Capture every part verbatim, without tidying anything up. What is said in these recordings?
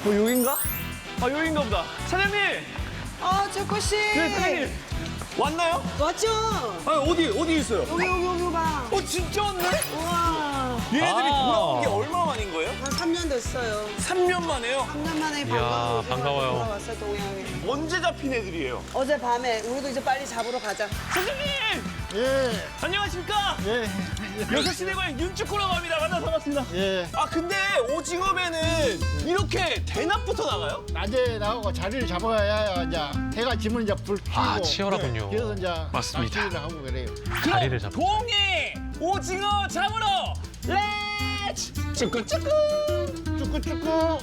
어, 여긴가? 아, 여긴가 보다. 사장님! 아, 재코 씨. 네, 사장님. 왔나요? 왔죠? 아, 어디, 어디 있어요? 여기 여기 여기 봐. 어, 진짜 왔네? 우와. 얘네들이 아. 돌아온 게 얼마 만인 거예요? 한 삼 년 됐어요. 삼 년 만에요? 삼 년 만에 이야, 반가워. 반가워요. 돌아왔어요, 동양에. 언제 잡힌 애들이에요? 어제 밤에 우리도 이제 빨리 잡으러 가자. 사장님! 예, 안녕하십니까? 예, 여섯 시내 고향 윤축구라고 합니다. 만나서 반갑습니다. 예. 아, 근데 오징어 배는 이렇게 대낮부터 나가요? 낮에 나오고 자리를 잡아야 이제 해가 지면 이제 불 켜고. 아, 치열하군요. 그래서 이제 맞습니다. 낚시를 하고 그래요. 자리를 잡고. 동해 오징어 잡으러 렛츠! 쭈꾸쭈꾸! 쭈꾸쭈꾸.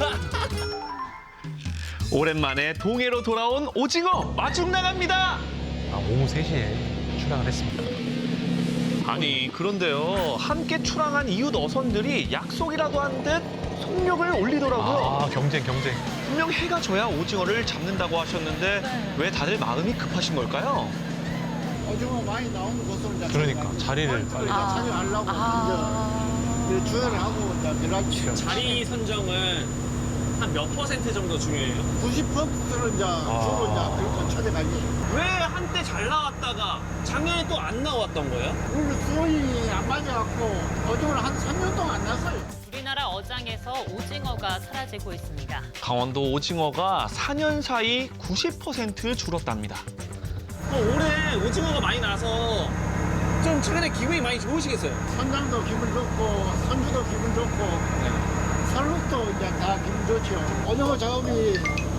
오랜만에 동해로 돌아온 오징어 마중 나갑니다. 아, 오후 세 시에 출항을 했습니다. 아니 그런데요 함께 출항한 이웃 어선들이 약속이라도 한 듯 속력을 올리더라고요. 아, 경쟁, 경쟁. 분명 해가 져야 오징어를 잡는다고 하셨는데 왜 다들 마음이 급하신 걸까요? 오징어 많이 나오는 곳으로 이제 그러니까, 찾아가고 자리를 빨리 빨리. 찾아가려고 이제 주의를 하고 이제 연락치요. 자리 선정은 한 몇 퍼센트 정도 중요해요? 구십 퍼센트를 이제 주로 이제 그렇게 찾아가지. 왜 한때 잘 나왔다가 작년에 또 안 나왔던 거예요? 우리 수온이 안 맞아갖고 오징어를 한 삼 년 동안 안 났어요. 우리나라 어장에서 오징어가 사라지고 있습니다. 강원도 오징어가 사 년 사이 구십 퍼센트 줄었답니다. 어, 올해 오징어가 많이 나서 좀 최근에 기분이 많이 좋으시겠어요? 선장도 기분 좋고 선주도 기분 좋고 선룩도 이제 다 기분 좋죠. 오징어 작업이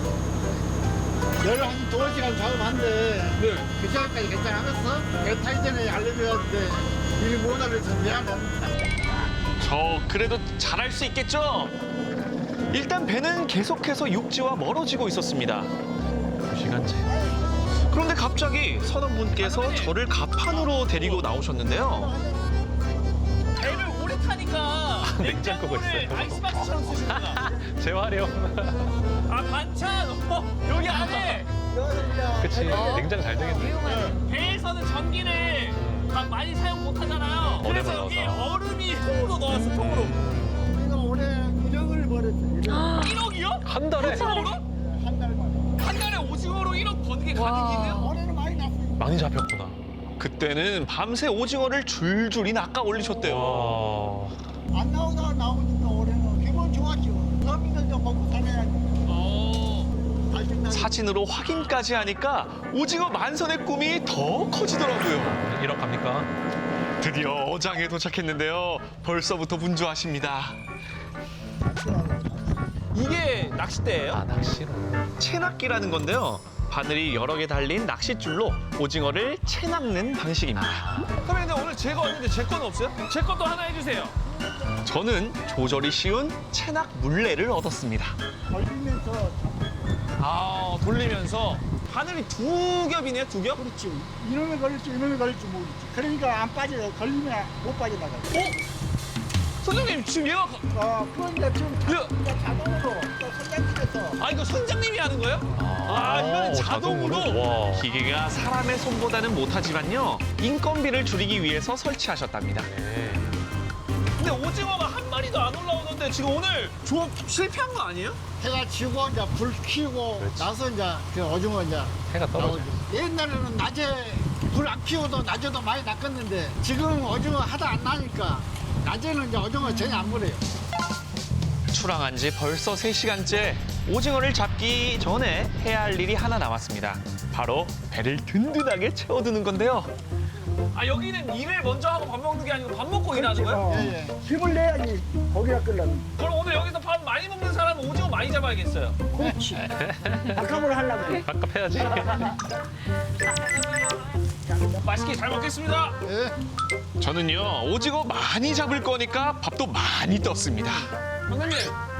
열한 두 시간 작업한데 네. 그 시간까지 괜찮았어? 배 타기 전에 알려줘야 되는데 미리 못 알려줘서 미안합니다. 저 그래도 잘할 수 있겠죠? 일단 배는 계속해서 육지와 멀어지고 있었습니다. 두 시간째. 그런데 갑자기 선원분께서 저를 가판으로 데리고 나오셨는데요. 배를 오래 타니까 냉장고가 있어요. 아이스박스처럼 쓰시구나. 재활용. 아 반찬 어, 여기 안에 그치, 냉장 잘 되겠네. 배에서는 전기를 막 많이 사용 못 하잖아요. 그래서 얼음을 여기 넣어서. 얼음이 통으로 넣었어 통으로. 우리가 올해 일억을 벌었어요. 일억이요? 한 달에 오징어로? 한 달만. 한 달에 오징어로 일억 버는 게 가능해요? 올해는 많이 났어요. 많이 잡혔구나. 그때는 밤새 오징어를 줄줄이 낚아 올리셨대요. 와. 안 나오다가 나오니까 올해는 기분 좋았죠. 서민들 좀 먹고 살아야지. 어, 다시 나 사진으로 확인까지 하니까 오징어 만선의 꿈이 더 커지더라고요. 일억 갑니까? 드디어 어장에 도착했는데요. 벌써부터 분주하십니다. 이게 낚싯대예요? 아, 낚시로. 채낚기라는 건데요. 바늘이 여러 개 달린 낚싯줄로 오징어를 채낚는 방식입니다. 선배님, 근데 오늘 제가 왔는데 제 거는 없어요? 제 것도 하나 해주세요. 저는 조절이 쉬운 채낚 물레를 얻었습니다. 걸리면서 아, 돌리면서 바늘이 두 겹이네요, 두 겹? 그렇지. 이놈에 걸릴지 이놈에 걸릴지 모르지. 그러니까 안 빠져. 걸리면 못 빠져나가. 어? 선생님, 지금 얘가 어, 그런데 지금 야. 이제 자동으로 또 선장님께서 아, 이거 선장님이 하는 거예요? 아, 이거는 오, 자동으로? 와. 기계가 사람의 손보다는 못하지만요. 인건비를 줄이기 위해서 설치하셨답니다. 네. 근데 오징어가 한 마리도 안 올라오는데 지금 오늘 조업 실패한 거 아니에요? 해가 지고 이제 불 켜고 그렇지. 나서 이제 그 오징어 이제 해가 떨어져. 나오죠. 옛날에는 낮에 불 안 켜고도 낮에도 많이 낚았는데 지금 오징어 하다 안 나니까 낮에는 이제 오징어 전혀 안 물어요. 출항한 지 벌써 세 시간째 오징어를 잡기 전에 해야 할 일이 하나 남았습니다. 바로 배를 든든하게 채워두는 건데요. 아, 여기는 일을 먼저 하고 밥 먹는 게 아니고 밥 먹고 일하는 거예요? 예, 예. 힘을 내야지 고기가 끓려면. 그럼 오늘 여기서 밥 많이 먹는 사람은 오징어 많이 잡아야겠어요. 그렇지. 아까물 하려고 그래. 아까 해야지. 맛있게 잘 먹겠습니다. 예. 저는요, 오징어 많이 잡을 거니까 밥도 많이 떴습니다. 선생님,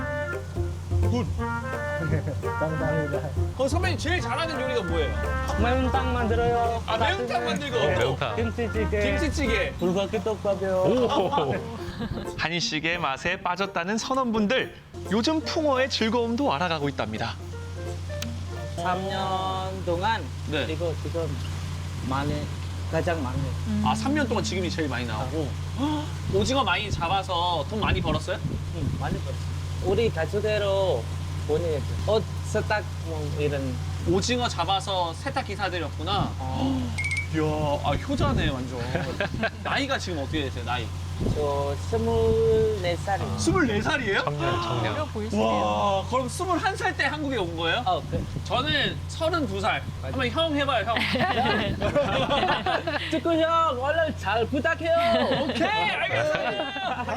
감사합니다. 어, 선배님 제일 잘하는 요리가 뭐예요? 매운탕 만들어요. 아, 매운탕 만들고. 어, 매운탕. 김치찌개, 김치찌개. 불고기 떡밥이요. 오. 한식의 맛에 빠졌다는 선원분들, 요즘 풍어의 즐거움도 알아가고 있답니다. 삼 년 동안 네. 이거 지금 많이 가장 많이. 아, 삼 년 동안 지금이 제일 많이 나오고. 오징어 많이 잡아서 돈 많이 벌었어요? 응, 많이 벌었어. 우리 가수대로 보내야죠. 옷 세탁 뭐 이런. 오징어 잡아서 세탁 기사들이었구나. 이야, 아, 효자네 완전. 나이가 지금 어떻게 되세요? 나이? 저 스물네 살이요. 스물네 살이에요? 청년, 청년. 와, 그럼 스물한 살 때 한국에 온 거예요? 어, 그, 저는 서른두 살. 한번 형 해봐요, 형. 축구 형 얼른 잘 부탁해요. 오케이, 알겠어요.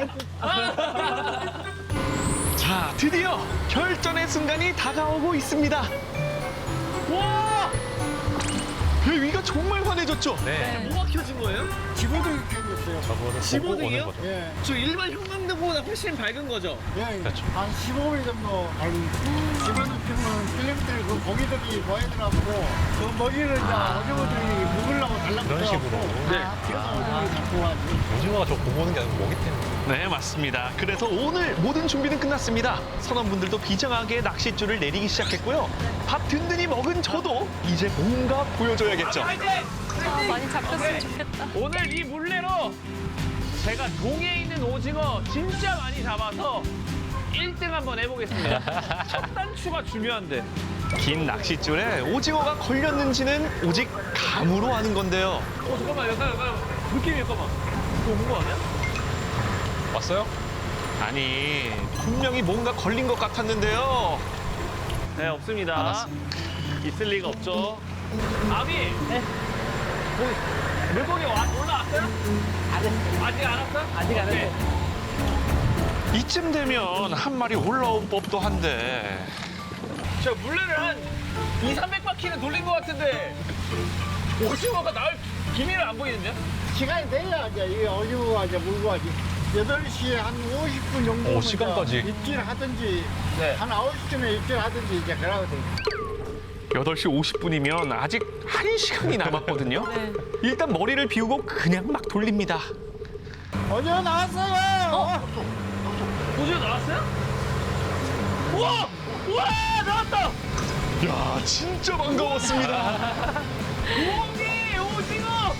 자, 드디어 결전의 순간이 다가오고 있습니다. 와! 배 위가 정말 환해졌죠? 네. 뭐가 켜진 거예요? 집어도 켜졌어요. 저거를 집어등이요? 보고 오는 거죠. 예. 저 일반 형광등보다 훨씬 밝은 거죠? 예, 그렇죠. 한 십오 일 정도 알고 집어넣으면 필름들 그 고기들이 모여들어가고 그 먹이를 이제 오징어들이 먹으려고 달라붙어 그런 식으로. 네. 그래서 오징어를 잡고 와지. 오징어가 저 보고 오는 게 아니고 먹이 때문에. 네, 맞습니다. 그래서 오늘 모든 준비는 끝났습니다. 선원분들도 비장하게 낚싯줄을 내리기 시작했고요. 밥 든든히 먹은 저도 이제 뭔가 보여줘야겠죠. 아, 많이 잡혔으면 좋겠다. 오늘 이 물레로 제가 동해에 있는 오징어 진짜 많이 잡아서 일 등 한번 해보겠습니다. 첫 단추가 중요한데. 긴 낚싯줄에 오징어가 걸렸는지는 오직 감으로 아는 건데요. 어, 잠깐만, 잠깐만, 잠깐만. 느낌이 잠깐만. 이거 온 거 아니야? 왔어요? 아니, 분명히 뭔가 걸린 것 같았는데요. 네, 없습니다. 알았습니다. 있을 리가 없죠. 아비! 네. 물고기 와, 올라왔어요? 아직 아직 안 왔어? 아직 안 오케이. 했어요. 이쯤 되면 한 마리 올라온 법도 한데. 저 물레를 한 이삼백 바퀴는 돌린 것 같은데 오징어가 나올 기미를 안 보이는데요? 시간이 돼야 이제 이 오징어가 이제 물고 와지. 여덟 시에 한 오십 분 정도 오, 시간까지. 입질 하든지 네. 한 아홉 시쯤에 입질 하든지 이제 그러고 돼. 여덟 시 오십 분이면 아직 한 시간이 남았거든요. 네. 일단 머리를 비우고 그냥 막 돌립니다. 오징어 나왔어요. 어? 오징어 나왔어요? 우와! 우와! 나왔다! 야, 진짜 반가웠습니다. 오기 오징어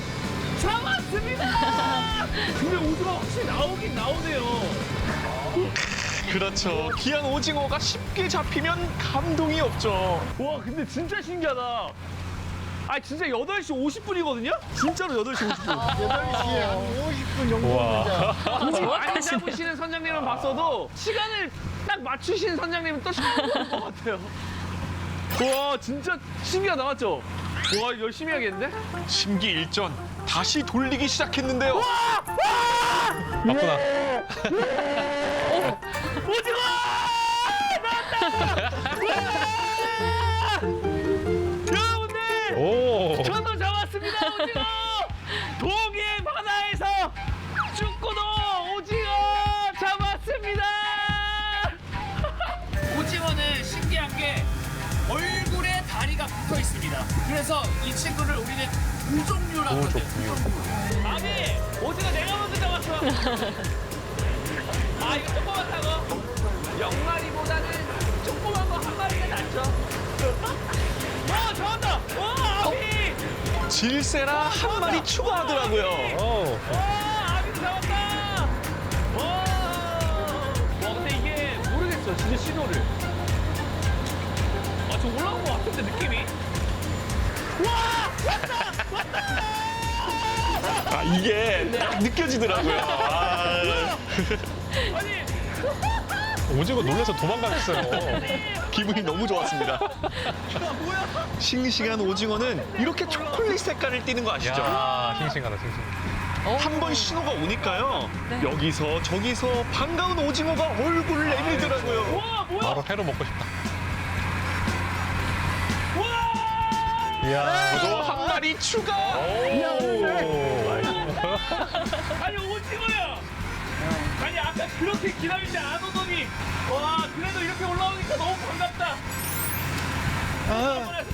잡았습니다! 근데 오징어 확실히 나오긴 나오네요. 그렇죠. 귀한 오징어가 쉽게 잡히면 감동이 없죠. 와, 근데 진짜 신기하다. 아, 진짜 여덟 시 오십 분이거든요? 진짜로 여덟 시 오십 분. 여덟 시에 한 오십 분 정도 우와. 이제 많이 잡으시는 선장님은 봤어도 시간을 딱 맞추신 선장님은 또 처음 보는 것 같아요. 와, 진짜 신기하다, 맞죠? 와, 열심히 해야겠는데? 심기일전, 다시 돌리기 시작했는데요. 맞구나. 오징어! 나왔다! 여러분들! 오. 저도 잡았습니다, 오징어! 동해 바다에서 죽고도 오징어 잡았습니다! 오징어는 신기한 게 얼굴에 다리가 붙어 있습니다. 그래서 이 친구를 우리는 우종류라고 오, 하는데. 좋군요. 아니, 오징어 내가 먼저 잡았어. 아, 이거 조그맣다고? 영마리보다는 조그만 거 한 마리가 낫죠. 와, 잡았다! 와, 아비! 질세라 한 마리 추가하더라고요. 오. 와, 아비도 잡았다! 와! 와, 근데 이게 모르겠어, 진짜 신호를. 아, 저 올라온 것 같은데, 느낌이. 와! 왔다! 왔다! 아, 이게 딱 느껴지더라고요. 아. 아니, 오징어 놀라서 도망가겠어요. 기분이 너무 좋았습니다. 싱싱한 오징어는 이렇게 초콜릿 색깔을 띠는 거 아시죠? 야, 싱싱하다, 싱싱. 한 번 신호가 오니까요. 여기서 저기서 반가운 오징어가 얼굴을 내밀더라고요. 와, 뭐야? 바로 회로 먹고 싶다. 와! 이야. 또 한 마리 추가. 오. 아니, 오징어야. 아니, 아까 그렇게 기다리지 안 오더니. 와, 그래도 이렇게 올라오니까 너무 반갑다. 한번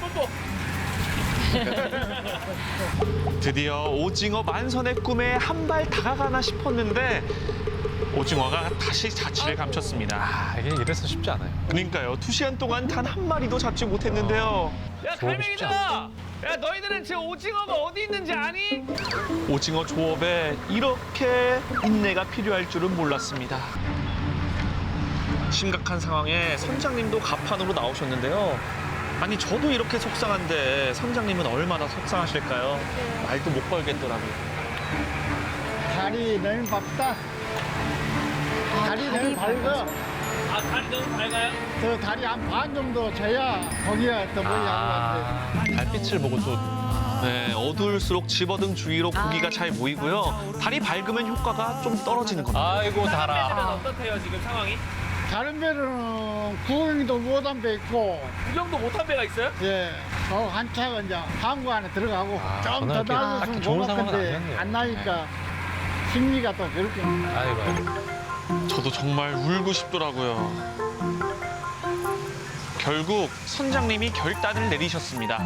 해서 드디어 오징어 만선의 꿈에 한 발 다가가나 싶었는데 오징어가 다시 자취를 감췄습니다. 아, 이게 이래서 쉽지 않아요. 그러니까요. 두 시간 동안 단 한 마리도 잡지 못했는데요. 야, 조업이 쉽지 갈매기들아! 야, 너희들은 지금 오징어가 어디 있는지 아니? 오징어 조업에 이렇게 인내가 필요할 줄은 몰랐습니다. 심각한 상황에 선장님도 가판으로 나오셨는데요. 아니 저도 이렇게 속상한데 선장님은 얼마나 속상하실까요? 말도 못 걸겠더라고요. 다리 너무 밝다. 다리 너무 밝아. 아, 다리 너무 밝아요? 저 다리 한 반 정도 져야 거기가 더 멀리 아, 달빛을 보고 또 네, 어두울수록 집어등 주위로 고기가 잘 보이고요. 달이 밝으면 효과가 좀 떨어지는 겁니다. 아이고 달아. 어떻대요, 지금 상황이? 다른 배는 구경도 못한 배 있고, 구경도 못한 배가 있어요? 예, 어, 한 차가 이제 항구 안에 들어가고 아, 좀 저는 더 이렇게 나아졌으면 딱히 좋은 상황은 고맙건데 아니었네요. 안 나니까 심리가 또 그렇게. 아이고 아이고. 저도 정말 울고 싶더라고요. 결국 선장님이 결단을 내리셨습니다.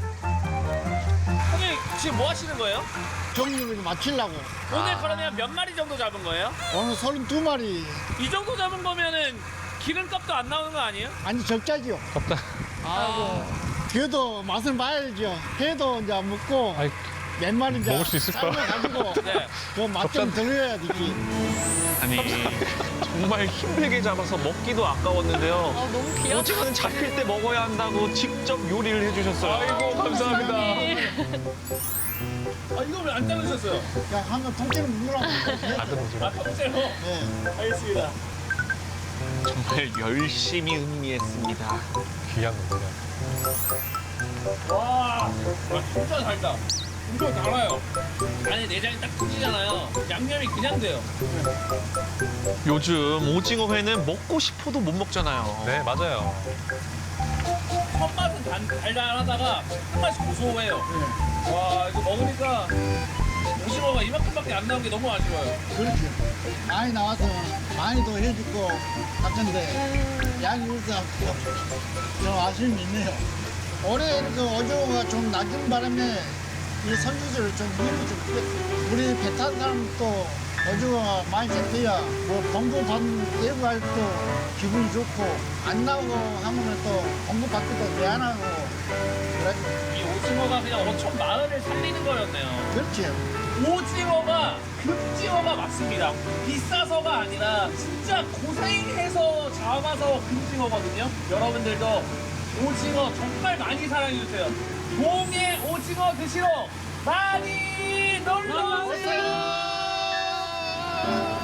형님, 지금 뭐 하시는 거예요? 정리를 마치려고. 오늘 그러면 몇 마리 정도 잡은 거예요? 오늘 서른두 마리. 이 정도 잡은 거면은 기름값도 안 나오는 거 아니에요? 아니 적자지요. 덥다. 아이고. 그래도 맛을 봐야죠. 회도 이제 먹고 아이, 몇 마리 이제 먹을 수 있을까? 삶아가지고 네. 그 맛 좀 들어야 되지. 아니 정말 힘들게 잡아서 먹기도 아까웠는데요. 어, 너무 귀엽다. 오징어는 잡힐 때 먹어야 한다고 직접 요리를 해주셨어요. 아이고 감사합니다. 아, 이거 왜 안 자르셨어요? 그냥 한번 통째로 물으라고. 작은 오징어. 아, 통째로? 네. 알겠습니다. 정말 열심히 음미했습니다. 귀한 거냐. 와, 와, 진짜 달다. 엄청 달아요. 안에 내장이 딱 터지잖아요. 양념이 그냥 돼요. 요즘 오징어 회는 먹고 싶어도 못 먹잖아요. 네 맞아요. 첫맛은 단, 달달하다가 끝맛이 고소해요. 와, 이거 먹으니까 오징어가 이만큼밖에 안 나온 게 너무 아쉬워요. 그렇죠. 많이 나와서 많이도 해주고 같은데 양이 없어갖고 좀 아쉬움이 있네요. 올해 그 어조가 좀 낮은 바람에 이 선주들을 좀 힘이 좀 풀렸어요. 우리 배 탄 사람도 어조가 많이 잡혀야 뭐 공부 받는 예고할 때 기분이 좋고 안 나오고 하면 또 공부 받기도 미안하고 그래. 이 오징어가 그냥 어촌 마을을 살리는 거였네요. 그렇죠. 오징어가 금징어가 맞습니다. 비싸서가 아니라 진짜 고생해서 잡아서 금징어거든요. 여러분들도 오징어 정말 많이 사랑해주세요. 동해 오징어 드시러 많이 놀러오세요.